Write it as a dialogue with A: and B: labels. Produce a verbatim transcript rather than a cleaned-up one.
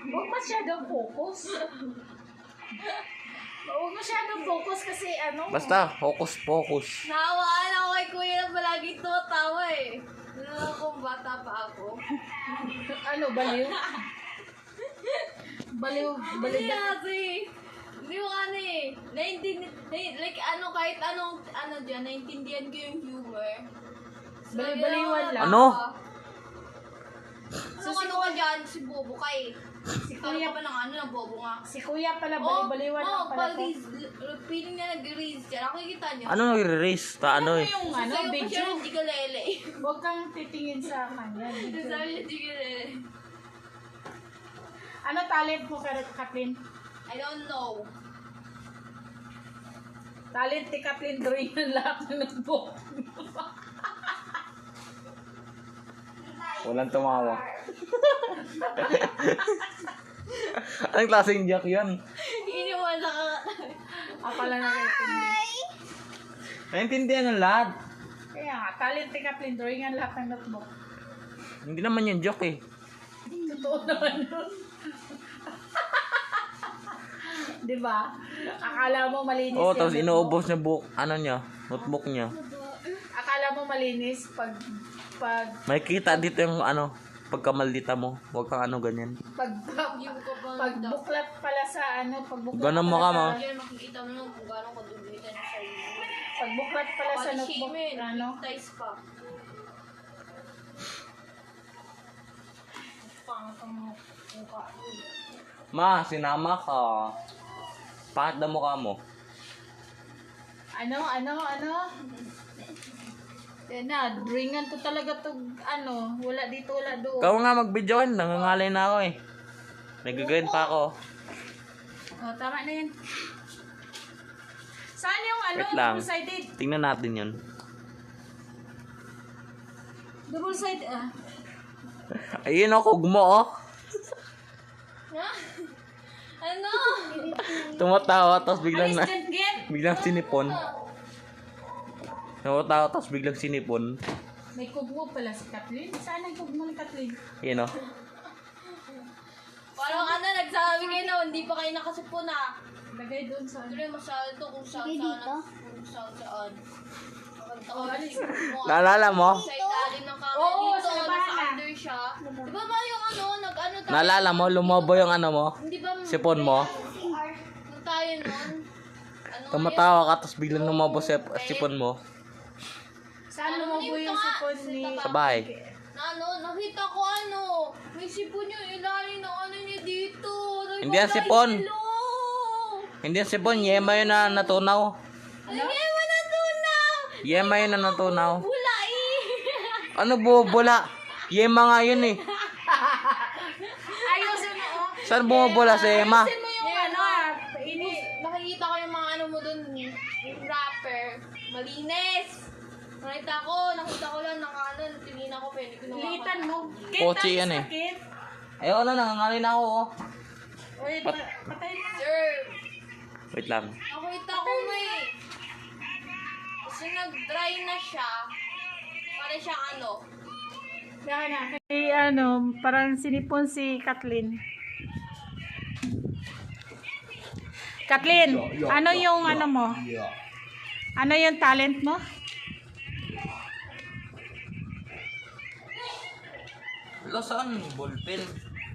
A: Huwag masyadong focus. Huwag masyadong focus kasi ano.
B: Basta, focus, focus.
C: Nawaan ako kay kuya na palagi tumatawa eh. Nalala kong bata pa ako.
A: Ano, baliw? Baliw, baliw.
C: Hindi kasi. Hindi mo ano eh. Naintindihan, like ano, kahit anong, ano dyan, naintindihan ko yung humor. So,
A: Baliw-baliwan lang.
B: Ano?
C: So, ano ka dyan? Si Bobo ka eh. Si kuya pa ng ano, ng Bobo nga.
A: Si kuya pala, baliw-baliwan lang
C: oh,
A: pala to.
C: feeling niya nag-release siya. Nakikita niyo.
B: Ano nag-release? Ta ano eh?
A: Yung ano,
C: Sasayaw pa
A: video.
C: siya ng Jigalele.
A: Huwag kang titingin sa kanya. Video.
C: Sasayaw niya Jigalele.
A: Ano talent mo, Kathleen?
C: I don't know.
A: Talent ni Kathleen drawing ng lahat ng notebook.
B: Walang tumawa. Anong klaseng joke yun?
C: Hindi mo lang.
A: Akala na kayo.
B: Naintindihan ng lahat.
A: Kaya nga, talent ni Kathleen drawing ang lahat ng notebook.
B: Hindi naman yung joke eh.
A: Totoo naman yun. Diba? Akala mo malinis.
B: Oo, oh,
A: yung
B: tapos
A: notebook.
B: inuubos niya book, ano niya, notebook niya.
A: Akala mo malinis pag pag
B: May kita dito yung ano, pagkamaldita mo. Huwag kang ano ganyan.
A: pag pag buklat pala sa ano, pag buklat.
B: Ganun mo ka,
A: pala
B: ma.
A: sa-
C: Diyan makikita mo lang kung gano'ng kadulitan niya sa iyo.
A: Pag buklat pala sa
C: Pati
A: notebook,
C: Shimen,
A: ano?
C: ties pa.
B: Ma, sinama ka. Bakit na mukha mo?
A: Ano, ano, ano? Yan na, drawingan to talaga to, ano, wala dito, wala doon.
B: Ikaw nga mag-video kan, nangangalay na ako eh. Nag-grind pa ako.
A: Oh, tama na yun. Saan yung ano,
B: Wait lang.
A: double-sided?
B: Tingnan natin yun.
A: Double-sided, ah.
B: Ayun o, kugmo oh.
C: Ha? Ano?
B: Tumatawa, tapos biglang na,
A: Alis dyan,
B: biglang sinipon. Tumatawa, tapos biglang sinipon.
A: May kugmo pala si Kathleen. Saan ang kugmo ni Kathleen?
B: Yun o.
C: Parang ano, nagsabi kayo na hindi pa kayo nakasipon ah.
A: Lagay doon sa...
C: Tuloy masyado to kung saan saan. Kung saan saan.
A: Oh, alis.
B: Naalala mo?
C: Sa ilalim ng camera
A: Oo,
C: dito,
A: sa
C: nasa
A: baba.
C: under siya. Di ba ba yung ano, nag-ano tayo?
B: Naalala mo, lumobo yung ano mo?
C: Hindi ba?
B: Sipon mo?
C: Nung tayo nun. Ano nga
B: Tumatawa ka, tapos biglang lumobo sa sipon mo.
A: Saan
C: Ano
A: lumobo
C: yun
A: yung
C: ka?
A: sipon ni...
B: Sa bahay.
C: Na ano, nakita ko ano, may sipon yung ilalim ng ano niya dito. Sabi
B: Hindi
C: ko,
B: yan sipon.
C: "Guys, hello."
B: Hindi yung sipon, yema yun na natunaw.
C: Ano? Ay, mo na tunaw.
B: Yema yun na natunaw.
C: Bula eh.
B: Ano bubula? Yema nga yun eh.
A: Ayusin mo, oh.
B: Saan bumubula si Yema?
A: Ayusin mo yung ano, ah. Ini...
C: Nakikita ko yung mga ano mo dun, yung wrapper. Malinis. Nakita ko, nakita ko lang, naka ano, tinina ko, pwede ko na
A: Litan mo.
B: Pochi yan eh. Ayoko na, nangangalay na ako oh.
A: Wait,
B: Pat-
A: patay mo.
C: Sir,
B: Wait lang.
C: nakita ko may, kasi nag-dry na siya, para siyang ano,
A: Yan na. Kay ano, parang sinipon si Kathleen. Kathleen, ano yung ano mo? Ano yung talent mo?
B: Wala saan? Ballpen.